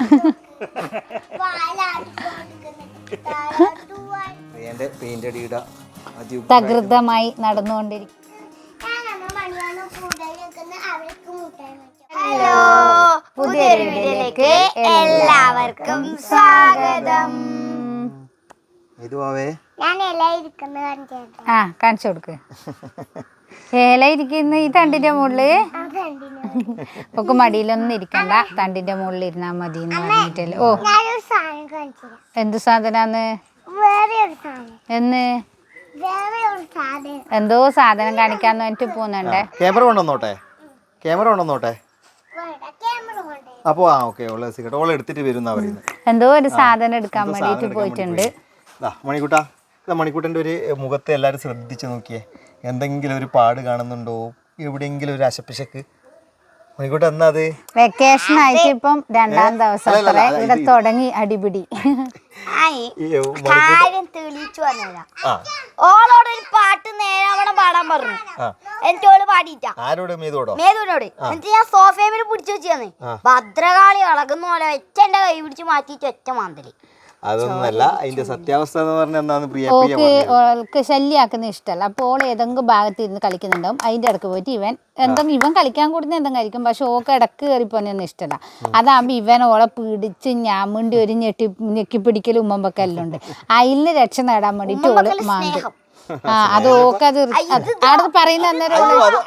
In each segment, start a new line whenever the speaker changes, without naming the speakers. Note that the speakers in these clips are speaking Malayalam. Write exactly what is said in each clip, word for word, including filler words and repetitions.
തകൃതമായി നടന്നുകൊണ്ടിരിക്കും.
ഹലോ, പുതിയ വീഡിയോയിലേക്ക് എല്ലാവർക്കും സ്വാഗതം.
ആ കാണിച്ചു കൊടുക്ക്. ഏല ഇരിക്കുന്ന ഈ തണ്ടിന്റെ മുകളില് ഒക്കെ മടിയിലൊന്നും ഇരിക്കണ്ട, തണ്ടിന്റെ മുകളിൽ ഇരുന്നാ മതി എന്ന് പറഞ്ഞിട്ടല്ലേ. ഓ എന്ത് സാധനാന്ന് എന്ന് എന്തോ സാധനം കാണിക്കാന്ന് പറഞ്ഞിട്ട് പോന്നുണ്ടേ.
Camera കൊണ്ടുവന്നോട്ടെ, camera കൊണ്ടുവന്നോട്ടെ. അപ്പൊ ആ ഓക്കെ, ഓളെ എടുത്തിട്ട് വരും.
എന്തോ ഒരു സാധനം എടുക്കാൻ വേണ്ടിട്ട് പോയിട്ടുണ്ട്.
മണിക്കൂട്ടാ, മണിക്കൂട്ടൻ്റെ ഒരു മുഖത്തെ എല്ലാവരും ശ്രദ്ധിച്ചു നോക്കിയേ. എന്തെങ്കിലും ഒരു പാട് കാണുന്നുണ്ടോ, എവിടെയെങ്കിലും ഒരു അശപ്പിശക്ക്? മണിക്കൂട്ട എന്നാ അത്
വെക്കേഷൻ ആയിട്ട് ഇപ്പം രണ്ടാം ദിവസം ഇവിടെ തുടങ്ങി അടിപിടി.
ഓളോട് ഒരു പാട്ട് നേരാവണം പാടാൻ പറഞ്ഞു. എനിക്ക് ഓള് പാടിയിട്ടാ.
ആരോട്? മേതോടോ?
മേതോനോട്. എന്നിട്ട് ഞാൻ സോഫയിൽ പിടിച്ചു വെച്ചാന്ന് ഭദ്രകാളി ഇളകുന്ന പോലെ ഒറ്റ എന്റെ കൈ പിടിച്ച് മാറ്റിട്ട് ഒറ്റ മാന്തല്.
അതൊന്നല്ല, അതിന്റെ സത്യാവസ്ഥ എന്ന് പറഞ്ഞാൽ എന്താന്ന് പ്രിയ
ഓൾക്ക് ശല്യാക്കുന്ന ഇഷ്ടമല്ല. അപ്പോൾ ഓൾ ഏതെങ്കിലും ഭാഗത്ത് ഇരുന്ന് കളിക്കുന്നുണ്ടാവും. അതിന്റെ ഇടക്ക് പോയിട്ട് ഇവൻ എന്തെങ്കിലും ഇവൻ കളിക്കാൻ കൂടുന്ന എന്തെങ്കിലും കഴിക്കും. പക്ഷെ ഓൾക്ക് ഇടക്ക് കയറിപ്പോന്നൊന്നും ഇഷ്ടമല്ല. അതാകുമ്പോൾ ഇവൻ ഓളെ പിടിച്ച് ഞാമുണ്ടി ഒരു ഞെട്ടി ഞെക്കി പിടിക്കലും ഉമ്മമ്പൊക്കെ എല്ലാം ഉണ്ട്. അതിൽ രക്ഷ നേടാൻ വേണ്ടിട്ട് ഓള് മാന്തും. ആ അത് ഓക്ക് അത് അവിടെ പറയുന്ന അന്നേരം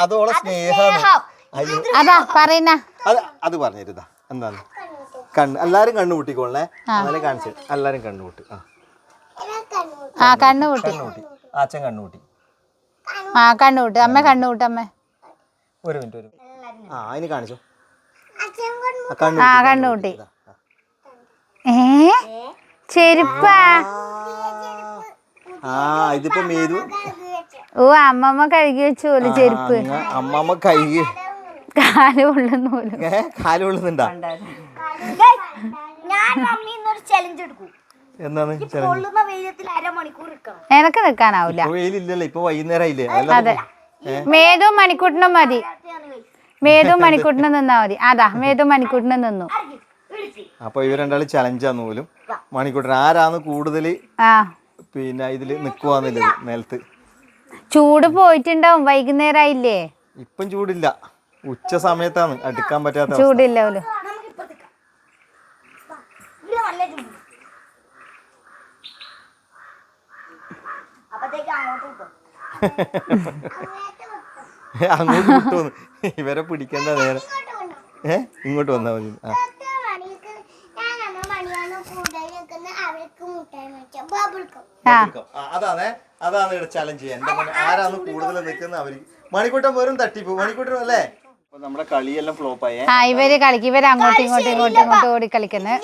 അതാ പറയുന്ന
അത് പറഞ്ഞിരുന്നാ എന്താണ് കണ്ണ് എല്ലാരും കണ്ണു കൂട്ടിക്കോളേ. എന്നാലേ കാണിച്ചു എല്ലാരും കണ്ണുകൂട്ടി.
ആ കണ്ണുകൂട്ടി
അച്ഛൻ കണ്ണുകൂട്ടി.
ആ കണ്ണുകൂട്ടി അമ്മ കണ്ണുകൂട്ടി അമ്മ
ഒരു മിനിറ്റ് ഒരു ആ അതിന് കാണിച്ചു.
ആ കണ്ണുകൂട്ടി. ഏ ചെരുപ്പാ?
ആ ഇതിപ്പോ മേതു.
ഓ അമ്മമ്മ കഴുകി വെച്ചോല് ചെരുപ്പ്.
അമ്മമ്മ കഴുകി
കാല് കൊള്ളുന്ന പോലും.
കാല് കൊള്ളുന്നുണ്ടാ?
എനക്ക് നിക്കാനാവൂല.
ഇപ്പൊ വൈകുന്നേരമായില്ലേ?
അതെ, മേതും മണിക്കൂട്ടിനും മതി. മേതും മണിക്കൂട്ടിനും നിന്നാ മതി. അതാ മേതും മണിക്കൂട്ടിനും നിന്നു.
അപ്പൊ ഇവർ രണ്ടാളും ചലഞ്ചാന്ന് പോലും. മണിക്കൂട്ടൻ ആരാന്ന് കൂടുതൽ പിന്നെ ഇതില് നിക്കുവാന്നില്ല നിലത്ത്.
ചൂട് പോയിട്ടുണ്ടാവും, വൈകുന്നേരമായില്ലേ?
ഇപ്പം ചൂടില്ല, ഉച്ച സമയത്താണ് അടുക്കാൻ പറ്റാത്ത.
ചൂടില്ല പോലും.
അങ്ങോട്ട് വിട്ടോന്ന് ഇവരെ പിടിക്കേണ്ട നേരം. ഏ ഇങ്ങോട്ട് വന്നാ മതി. അതാണ് അതാണ് ചലഞ്ച് ചെയ്യാൻ. ആരാണ് കൂടുതൽ നിൽക്കുന്ന അവര്. മണിക്കൂട്ടം വെറും തട്ടിപ്പോ മണിക്കൂട്ടം അല്ലേ? നമ്മുടെ കളിയെല്ലാം ഫ്ലോപ്പ് ആയേ.
ആ ഇവര് കളിക്കും, ഇവര് അങ്ങോട്ടും ഇങ്ങോട്ടും ഇങ്ങോട്ടും ഇങ്ങോട്ടും ഓടി കളിക്കുന്നത്.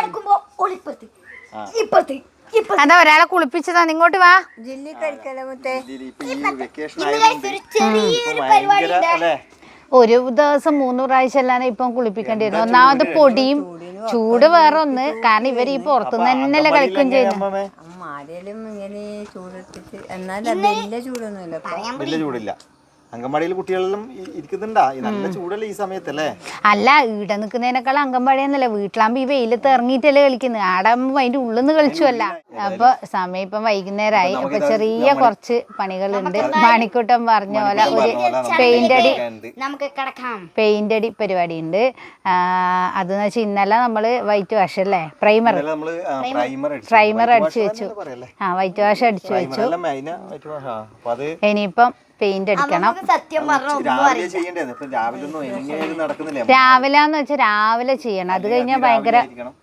അതാ ഒരാളെ കുളിപ്പിച്ചതാ. ഇങ്ങോട്ട് വാ. ഒരു ദിവസം മൂന്ന് പ്രാവശ്യം അല്ലാതെ ഇപ്പം കുളിപ്പിക്കേണ്ടി വരുന്നു. ഒന്നാമത് പൊടിയും ചൂട് വേറെ ഒന്ന്. കാരണം ഇവര് ഈ പുറത്തുനിന്ന് തന്നെയല്ലേ കളിക്കുകയും ചെയ്യുന്നു.
വലിയ ചൂടില്ല. അംഗൻവാടിയിൽ കുട്ടികളെല്ലാം ഇരിക്കുന്നുണ്ടാ? നല്ല ചൂടല്ലേ ഈ സമയത്തല്ലേ?
അല്ല, ഇവിടെ നിൽക്കുന്നതിനേക്കാൾ അംഗൻവാടി എന്നല്ലേ. വീട്ടിലാകുമ്പോ ഈ വെയിലത്ത് ഇറങ്ങിയിട്ടല്ലേ കളിക്കുന്നത്. ആടാകുമ്പോ അതിന്റെ ഉള്ളിൽ നിന്ന് കളിച്ചുവല്ല. അപ്പൊ സമയം ഇപ്പം വൈകുന്നേരമായി. അപ്പൊ ചെറിയ കുറച്ച് പണികളുണ്ട്. മണിക്കൂട്ടം പറഞ്ഞ പോലെ ഒരു പെയിന്റ് അടി പെയിന്റ് അടി പരിപാടി ഉണ്ട്. അതെന്ന് വെച്ചാൽ ഇന്നലെ നമ്മള് വൈറ്റ് വാഷ് അല്ലേ, പ്രൈമർ പ്രൈമർ അടിച്ചു വെച്ചു. ആ വൈറ്റ് വാഷ് അടിച്ചു വെച്ചു. ഇനിയിപ്പം പെയിന്റ് അടിക്കണം. രാവിലെ എന്ന് വെച്ചാൽ രാവിലെ ചെയ്യണം. അത് കഴിഞ്ഞാൽ ഭയങ്കര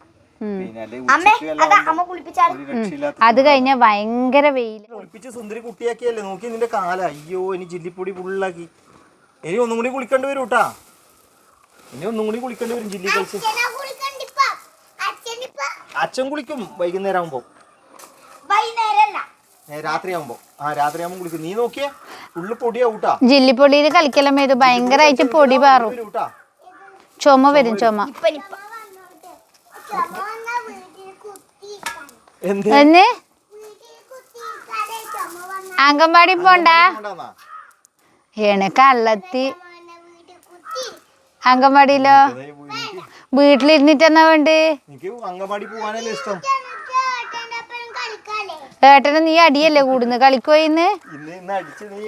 അത് കഴിഞ്ഞാൽ ഭയങ്കര വെയിൽ.
സുന്ദരി കുട്ടിയാക്കിയല്ലേ നോക്കി നിന്റെ കാല. അയ്യോ ഇനി ജില്ലിപ്പൊടി ഫുള്ളാക്കി. ഇനി ഒന്നും കൂടി കുളിക്കേണ്ടി വരും കേട്ടാ. ഇനി ഒന്നും കൂടി കുളിക്കേണ്ടി വരും ജില്ലി കളിച്ച്. അച്ഛൻ കുളിക്കും വൈകുന്നേരം ആകുമ്പോ. രാത്രിയാകുമ്പോ ആ രാത്രിയാകുമ്പോ കുളിക്കും. നീ നോക്കിയേ ഫുള്ള് പൊടിയാവൂട്ടാ.
ജില്ലിപ്പൊടിയിൽ കളിക്കലം ഇത് ഭയങ്കരമായിട്ട് പൊടി പാറും. ചുമ വരും ചുമ. എന്ന് അംഗൻവാടി പോണ്ട എനക്ക് അള്ളത്തി. അംഗൻവാടിയിലോ വീട്ടിലിരുന്നിട്ട് എന്നാ വേണ്ടേ?
എനിക്ക് അങ്കമാടി പോവാനല്ലേ ഇഷ്ടം.
ഏട്ടന് നീ അടിയല്ലേ കൂടുന്നു കളിക്കോയിന്ന്?
ഇന്ന് ഇന്ന് അടിച്ച് നീ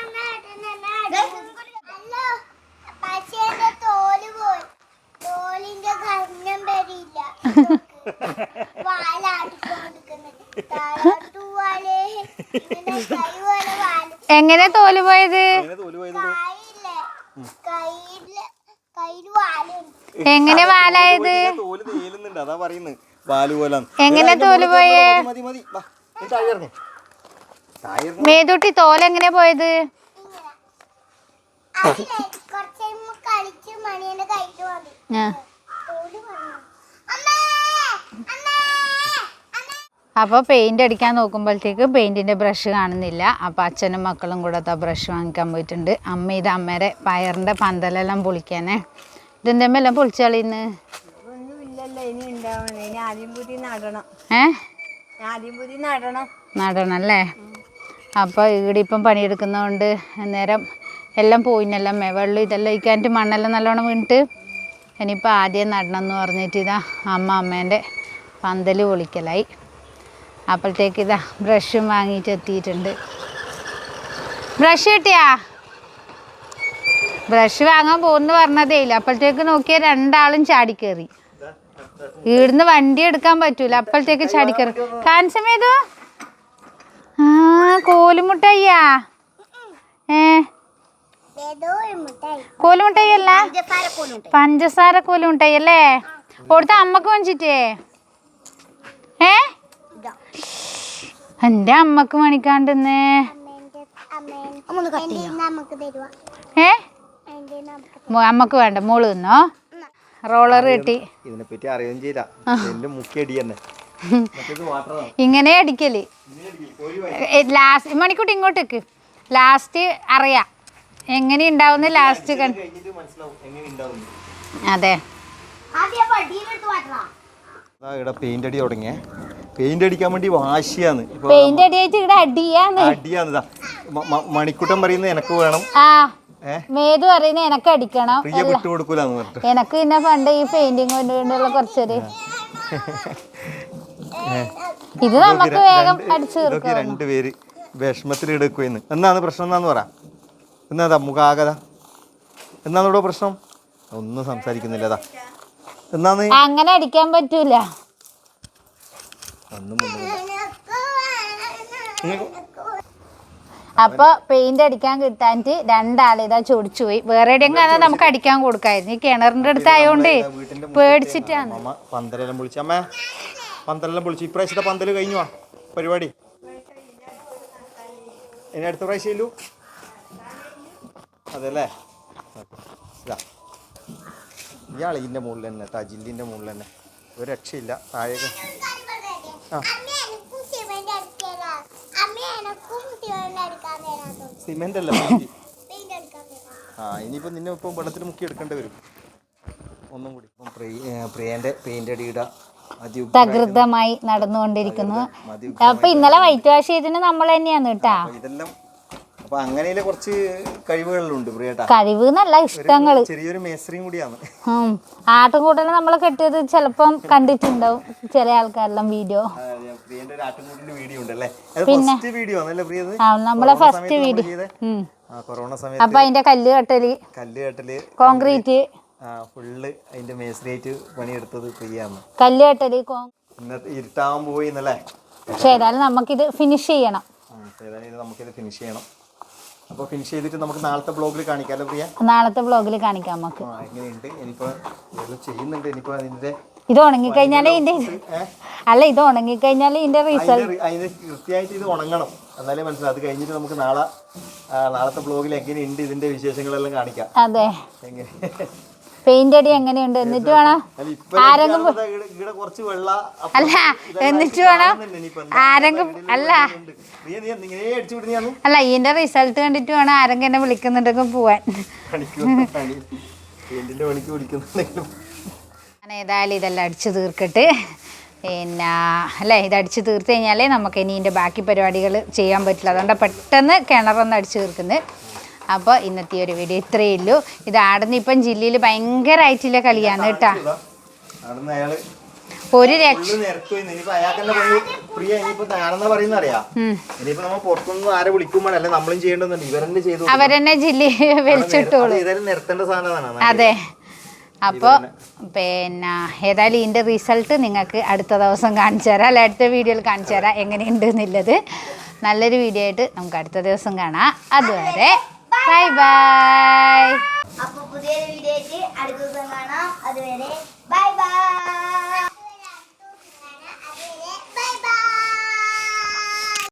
എങ്ങനെ തോല് പോയത്? എങ്ങനെ വാലായത്?
തോല് തേലുന്നുണ്ട്, അതാ പറയുന്നത് വാല് പോലെ.
എങ്ങനെ തോല് പോയേ? മേതൂട്ടി തോലെങ്ങനെ പോയത്? അപ്പോൾ പെയിന്റ് അടിക്കാൻ നോക്കുമ്പോഴത്തേക്ക് പെയിന്റിന്റെ ബ്രഷ് കാണുന്നില്ല. അപ്പോൾ അച്ഛനും മക്കളും കൂടെ ആ ബ്രഷ് വാങ്ങിക്കാൻ പോയിട്ടുണ്ട്. അമ്മ ഇത് അമ്മയുടെ പയറിന്റെ പന്തലെല്ലാം പൊളിക്കാനേ. ഇതെന്താ എല്ലാം പൊളിച്ചു കളിയുന്നു? ഏ നടണം അല്ലേ? അപ്പോൾ ഇവിടെ ഇപ്പം പണിയെടുക്കുന്നതുകൊണ്ട് നേരം എല്ലാം പോയിന്നല്ല മേ വെള്ളം ഇതെല്ലാം ഒഴിക്കാനായിട്ട് മണ്ണെല്ലാം നല്ലോണം വീണിട്ട് ഇനിയിപ്പോൾ ആദ്യം നടണം എന്ന് പറഞ്ഞിട്ട് ഇതാ അമ്മ അമ്മേൻ്റെ പന്തൽ പൊളിക്കലായി. അപ്പോഴത്തേക്ക് ഇതാ ബ്രഷും വാങ്ങിയിട്ട് എത്തിയിട്ടുണ്ട്. ബ്രഷ് കിട്ടിയാ? ബ്രഷ് വാങ്ങാൻ പോകുന്നു പറഞ്ഞതേ ഇല്ല. അപ്പോഴത്തേക്ക് നോക്കിയാൽ രണ്ടാളും ചാടിക്കേറി. ഇവിടുന്ന് വണ്ടി എടുക്കാൻ പറ്റൂല, അപ്പോഴത്തേക്ക് ചാടിക്കേറി. കാൻസമേതോ ആ കോലുമുട്ടയ്യാ? ഏ കോലുമുട്ടായി അല്ല, പഞ്ചസാര കോലുമുട്ടായി അല്ലേ? കൊടുത്ത അമ്മക്ക് വാങ്ങിച്ചിട്ടേ? ഏ എന്റെ അമ്മക്ക് മണിക്കാണ്ടെന്നേ. ഏ അമ്മക്ക് വേണ്ട, മോള് തിന്നോ. റോളർ കിട്ടി.
ഇതിനെപ്പറ്റി അറിയുകയും ചെയ്ത എന്റെ മുക്കിയടി തന്നെ
ഇങ്ങനെ അടിക്കല്. ലാസ്റ്റ് മണിക്കൂട്ടി ഇങ്ങോട്ടേക്ക് ലാസ്റ്റ് അറിയാം എങ്ങനെ ഉണ്ടാവുന്ന ലാസ്റ്റ്. അതെ
ഇവിടെ പെയിന്റ് അടി തുടങ്ങിയ പെയിന്റ് അടിക്കാൻ വേണ്ടി വാശിയാന്ന്.
പെയിന്റ് അടിയായിട്ട് ഇവിടെ അടിയാന്ന്
അടിയാന്ന് മണിക്കൂട്ടം പറയുന്നത് എനക്ക് വേണം,
ആ മേതു പറയുന്നത് എനക്ക് അടിക്കണം,
പ്രിയ വിട്ടു കൊടുക്കൂലെന്ന് പറഞ്ഞിട്ട്.
എനക്ക് പിന്നെ പണ്ട് ഈ പെയിന്റിങ് കൊണ്ടുള്ള കുറച്ചൊരു ഇത് നമുക്ക് വേഗം അടിച്ചു
ഇതൊക്കെ രണ്ടുപേര് വിഷമത്തിൽ എടുക്കുമെന്ന്. എന്നാന്ന് പ്രശ്നം എന്നാന്ന് പറ. എന്നാ മുഖാകത എന്നാണ് ഇവിടെ പ്രശ്നം? ഒന്നും സംസാരിക്കുന്നില്ലതാ. എന്നാന്ന്
അങ്ങനെ അടിക്കാൻ പറ്റൂല. അപ്പൊ പെയിന്റ് അടിക്കാൻ കിട്ടാനിട്ട് രണ്ടാളിതാ ചൊടിച്ചു പോയി. വേറെ എവിടെയെങ്കിലും നമുക്ക് അടിക്കാൻ കൊടുക്കായിരുന്നു. ഈ കിണറിന്റെ അടുത്ത് ആയോണ്ട് പേടിച്ചിട്ടാണ്.
പന്തലെല്ലാം പൊളിച്ചു. അമ്മ പന്തലെല്ലാം പൊളിച്ചു. ഇപ്രാവശ്യത്തെ പന്തല് കഴിഞ്ഞു പരിപാടി. ഇനി അടുത്ത പ്രാവശ്യം ഇല്ലു അതല്ലേ? ഇയാൾ ഇതിൻ്റെ മുകളിൽ തന്നെ തജില്ലിൻ്റെ മുകളിൽ തന്നെ ഒരു രക്ഷയില്ല. താഴേക്ക് ആ സിമെന്റ് അല്ല ആ ഇനിയിപ്പോൾ നിന്നെ ഇപ്പം വെള്ളത്തിൽ മുക്കി എടുക്കേണ്ടി വരും ഒന്നും കൂടി. ഇപ്പം പ്രിയൻ്റെ പെയിന്റ് അടിയുടെ
തകൃതമായി നടന്നുകൊണ്ടിരിക്കുന്നു. അപ്പൊ ഇന്നലെ വൈറ്റ് വാഷ് ചെയ്തതിന് നമ്മൾ തന്നെയാണ് കേട്ടാ.
ഇതെല്ലാം അപ്പൊ അങ്ങനെയുള്ള കുറച്ച് കഴിവുകളുണ്ട് പ്രിയേട്ടാ.
കഴിവ് എന്നല്ല, ഇഷ്ടങ്ങള്.
ചെറിയൊരു മേസ്ത്രിയും കൂടിയാണ്.
ആട്ടുംകൂട്ടനെ നമ്മളെ കെട്ടിയത് ചിലപ്പം കണ്ടിട്ടുണ്ടാവും ചില ആൾക്കാരെല്ലാം വീഡിയോ. പിന്നെ നമ്മളെ ഫസ്റ്റ് വീഡിയോ
കൊറോണ സമയത്ത്.
അപ്പൊ അതിന്റെ കല്ല് കെട്ടല്
കല്ല് കെട്ടല്
കോൺക്രീറ്റ്
ഫുള്ള് അതിന്റെ മേസ്ത്രിയായിട്ട് പണിയെടുത്തത് പ്രിയാണ്.
കല്ല് കെട്ടല്
ഇന്നത്തെ ഇരുട്ടാവാൻ പോയി എന്നല്ലേ.
പക്ഷെ ഏതായാലും നമുക്കിത് ഫിനിഷ് ചെയ്യണം.
ഏതായാലും നമുക്കിത് ഫിനിഷ് ചെയ്യണം. അപ്പോൾ ഫിനിഷ് ചെയ്തിട്ട് നമുക്ക് നാളത്തെ ബ്ലോഗിൽ കാണിക്കാമല്ലോ പ്രിയ?
നാളത്തെ ബ്ലോഗിൽ കാണിക്കാം നമുക്ക്.
എങ്ങനെയുണ്ട് ഇനിയിപ്പോൾ ചെയ്യുന്നുണ്ട്. ഇനിയിപ്പോൾ അതിൻ്റെ ഇത്
ഉണങ്ങിക്കഴിഞ്ഞാലേ ഇതിന്റെ അല്ല ഇത് ഉണങ്ങിക്കഴിഞ്ഞാലേ ഇതിന്റെ റിസൾട്ട്
അതിന് കൃത്യമായിട്ട് ഇത് ഉണങ്ങണം എന്നാലേ മനസ്സിലാവും. അത് കഴിഞ്ഞിട്ട് നമുക്ക് നാളെ നാളത്തെ ബ്ലോഗിൽ എങ്ങനെയുണ്ട് ഇതിന്റെ വിശേഷങ്ങളെല്ലാം കാണിക്കാം.
അതെ പെയിന്റ് അടി എങ്ങനെയുണ്ട് എന്നിട്ട് വേണം ആരെങ്കിലും അല്ല എന്നിട്ട് വേണം ആരെങ്കിലും അല്ല അല്ല ഇതിന്റെ റിസൾട്ട് കണ്ടിട്ട് വേണം ആരെങ്കിലും എന്നെ വിളിക്കുന്നുണ്ടെങ്കിൽ പോവാൻ. ഞാൻ ഏതായാലും ഇതെല്ലാം അടിച്ചു തീർക്കട്ട്. പിന്നെ അല്ലേ ഇത് അടിച്ച് തീർത്ത് കഴിഞ്ഞാലേ നമുക്ക് ഇനി ഇതിൻ്റെ ബാക്കി പരിപാടികൾ ചെയ്യാൻ പറ്റില്ല. അതുകൊണ്ട് പെട്ടെന്ന് കിണറൊന്ന് അടിച്ചു തീർക്കുന്നത്. അപ്പോൾ ഇന്നത്തെ ഒരു വീഡിയോ ഇത്രയേ ഉള്ളൂ. ഇത് ആടുന്ന ഇപ്പം ജില്ലയിൽ ഭയങ്കരമായിട്ടുള്ള കളിയാണ് കേട്ടോ.
അവിടുന്ന് അയാള്
ഒരു രക്ഷ
നിരത്തു ഇനിയിപ്പോ അയാൾക്കെന്നെ പണി പ്രിയ ഇനിയിപ്പോ ഞാനെന്നാ പറയുന്ന അറിയാം. ഇനിയിപ്പോ നമ്മൾ പുറത്തുനിന്ന് ആരെ വിളിക്കുമ്പോൾ അല്ല നമ്മളും ചെയ്യേണ്ടതുണ്ട്, ഇവരെന്നെ ചെയ്തു
അവരെന്നെ ജില്ലി വലിച്ചിട്ടോളൂ.
ഇതെല്ലാം നിരത്തേണ്ട സാധനമാണ്.
അതെ. അപ്പോൾ പിന്നെ ഏതായാലും ഇതിൻ്റെ റിസൾട്ട് നിങ്ങൾക്ക് അടുത്ത ദിവസം കാണിച്ചു തരാം, അല്ല അടുത്ത വീഡിയോയിൽ കാണിച്ചു തരാം എങ്ങനെയുണ്ട് എന്നുള്ളത്. നല്ലൊരു വീഡിയോ ആയിട്ട് നമുക്ക് അടുത്ത ദിവസം കാണാം. അതുവരെ ബൈ ബൈ.